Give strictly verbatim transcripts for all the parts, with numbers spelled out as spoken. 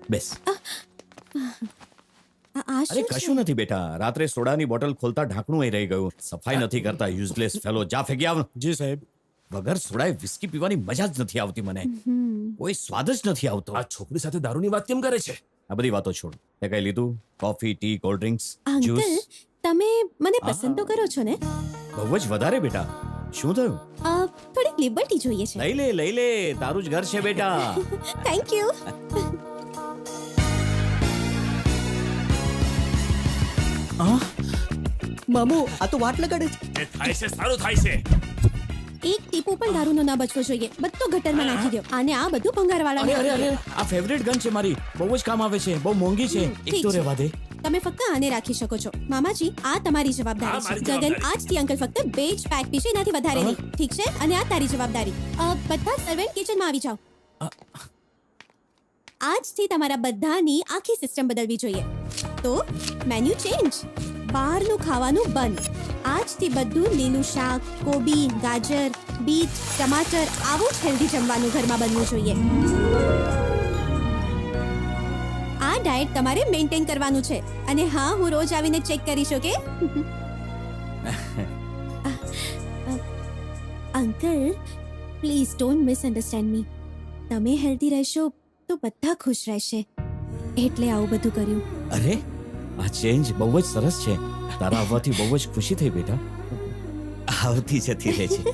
બેસ. આ આ અરે શું છે? કશું નથી બેટા, રાત્રે સોડાની બોટલ ખોલતા ઢાંકણું રહી ગયું. સફાઈ નથી કરતા, યુઝલેસ ફેલો. જા ફેંકી આવ. જી સાહેબ. વગર સોડાએ વિસ્કી પીવાની મજા જ નથી આવતી મને. કોઈ સ્વાદ જ નથી આવતો. આ છોકરી સાથે દારૂની વાત કેમ કરે છે? આ બધી વાતો છોડ. તે કઈ લીધું? Coffee, tea, cold drinks, uncle juice? તમે મને પસંદ તો કરો છો ને? બહુ જ વધારે બેટા. શું થયું? અ, થોડીક લિબર્ટી જોઈએ છે. લઈ લે લઈ લે, તારું જ ઘર છે બેટા. Thank you. મામુ આ તો વાટ લગાડે છે. એ થાય છે સારું થાય છે. એક ટીપુ પણ દારૂનો ના બચવો જોઈએ. બધો ગટરમાં નાખી દો. આને આ બધું ભંગારવાળા અરે અરે અરે, આ ફેવરેટ ગન છે મારી. બહુ જ કામ આવે છે. બહુ મોંઘી છે. એક ઠીક તો છે. રહેવા દે. તમે ફક્ત આને રાખી શકો છો. મામાજી આ તમારી જવાબદારી આ છે. મારી ગગન જવાબદારી. આજથી અંકલ ફક્ત બે જ પેક પીશે, એનાથી વધારે નહીં. ઠીક છે? અને આ તારી જવાબદારી. અ, બધા સર્વેન્ટ કિચનમાં આવી જાઓ. આજથી તમારા બધાની આખી સિસ્ટમ બદલવી જોઈએ. તો મેન્યુ ચેન્જ. બહારનું ખાવાનું બંધ. આજથી બધું લીલું શાક, કોબી, ગાજર, બીટ, ટમાટર આવું જ હેલ્ધી જમવાનું ઘરમાં બનવું જોઈએ. આ ડાયટ તમારે મેન્ટેન કરવાનું છે. અને હા, હું રોજ આવીને ચેક કરીશ, okay? Uncle please don't misunderstand me. તમે હેલ્ધી રહેશો તો બધા ખુશ રહેશે, એટલે આવું બધું કર્યું. અરે આ ચેન્જ બહુ જ સરસ છે. તારા આવવાથી બહુ જ ખુશી થઈ બેટા. આવતી જતી રહે છે.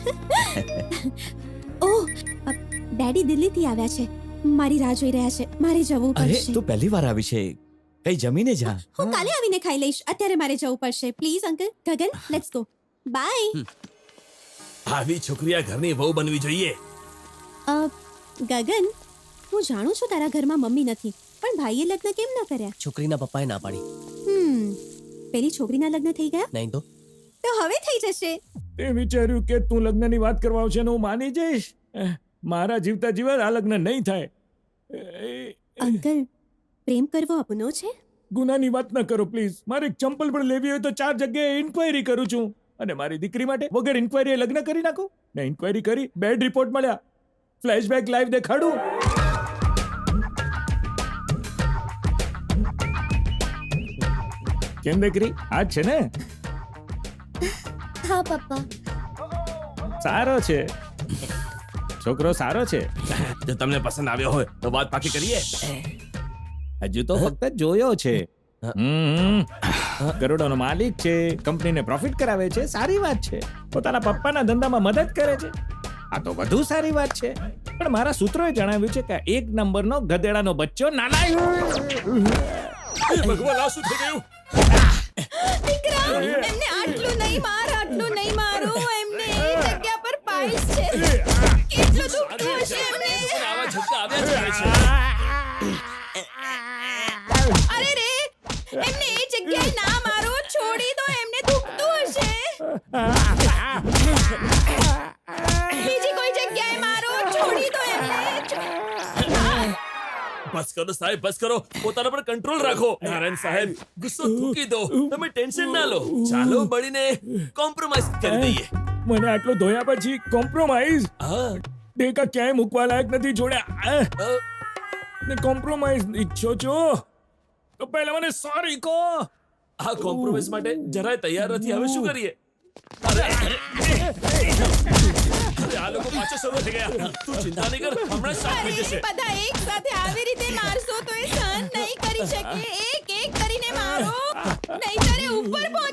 ઓહ, અ, ડેડી દિલ્હીથી આવ્યા છે. મારી રાહ જોઈ રહ્યા છે. મારે જવું અરે પડશે. તું પહેલી વાર આવી છે, કઈ જમીને જા. હું કાલે આવીને ખાઈ લઈશ. અત્યારે મારે જવું પડશે. Please uncle. Gagan, let's go. Bye. આવી છોકરી આ ઘરની વહુ બનવી જોઈએ. અ, ગગન, હું જાણું છું તારા ઘરમાં મમ્મી નથી, પણ ભાઈએ લગ્ન કેમ ન કર્યા? છોકરીના પપ્પાએ ના પાડી. હમ પેલી છોકરીના લગ્ન થઈ ગયા? નહીં તો તો હવે થઈ જશે. તે વિચાર્યું કે તું લગ્નની વાત કરવા આવશે ને હું માની જઈશ. મારા જીવતા જીવન આ લગ્ન નહીં થાય. અંકલ, પ્રેમ કરવો અપનો છે? ગુનાની વાત ન કરો પ્લીઝ. મારે એક ચંપલ પણ લેવી હોય તો ચાર જગ્યાએ ઇન્ક્વાયરી કરું છું, અને મારી દીકરી માટે વગર ઇન્ક્વાયરી લગ્ન કરી નાખો. ને ઇન્ક્વાયરી કરી, બેડ રિપોર્ટ મળ્યા, ફ્લેશબેક લાઈવ દેખાડું. કેમ દીકરી, આ જ છે ને? હા પપ્પા. સારો છે છોકરો, સારો છે. જો તમને પસંદ આવ્યો હોય તો વાત પાકી કરીએ. હજુ તો ફક્ત જોયો છે. હમ. કરોડોનો માલિક છે, કંપનીને પ્રોફિટ કરાવે છે, સારી વાત છે. પોતાના પપ્પાના ધંધામાં મદદ કરે છે, આ તો વધુ સારી વાત છે. પણ મારા સૂત્રોએ જણાવ્યું છે કે એક નંબરનો ગધેડાનો બચ્ચો નાના. ભગવાન આ શું થઈ ગયું? વિક્રમ, એમને આટલું નહીં માર, આટલું નહીં મારો. એમને એ જગ્યા પર પાઇલ્સ છે. કેટલું દુખતું હશે એમને. આવા ઝટકા આવ્યા જ કરે છે. અરે રે, એમને એ જગ્યાએ ના મારો. છોડી દો, એમને દુખતું હશે. બીજી કોઈ જગ્યાએ મારો. છોડી દો એમને. બસ કરો સાહેબ, બસ કરો. પોતાના પર કંટ્રોલ રાખો. નારાયણ સાહેબ, ગુસ્સો થૂકી દો. તમે ટેન્શન ના લો. ચાલો મળીને કોમ્પ્રોમાઇઝ કરી દઈએ. મને આટલો ધોયા પછી કોમ્પ્રોમાઇઝ? હા. દેખા ક્યાંય મૂકવા લાયક નથી છોડ્યા. અ, ને કોમ્પ્રોમાઇઝ ઈચ્છો છો તો પહેલા મને સોરી કહો. આ કોમ્પ્રોમાઇઝ માટે જરાય તૈયાર નથી. હવે શું કરીએ? અરે અરે, આ લોકો પાછા શરૂ થઈ ગયા. તું ચિંતા નહીં કર, હમણાં જ સાફ થઈ જશે. બધા એક સાથે આવી રીતે મારશો તો એ સહન નહીં કરી શકે. એક એક કરીને મારો, નહીંતર એ ઉપર પહોંચી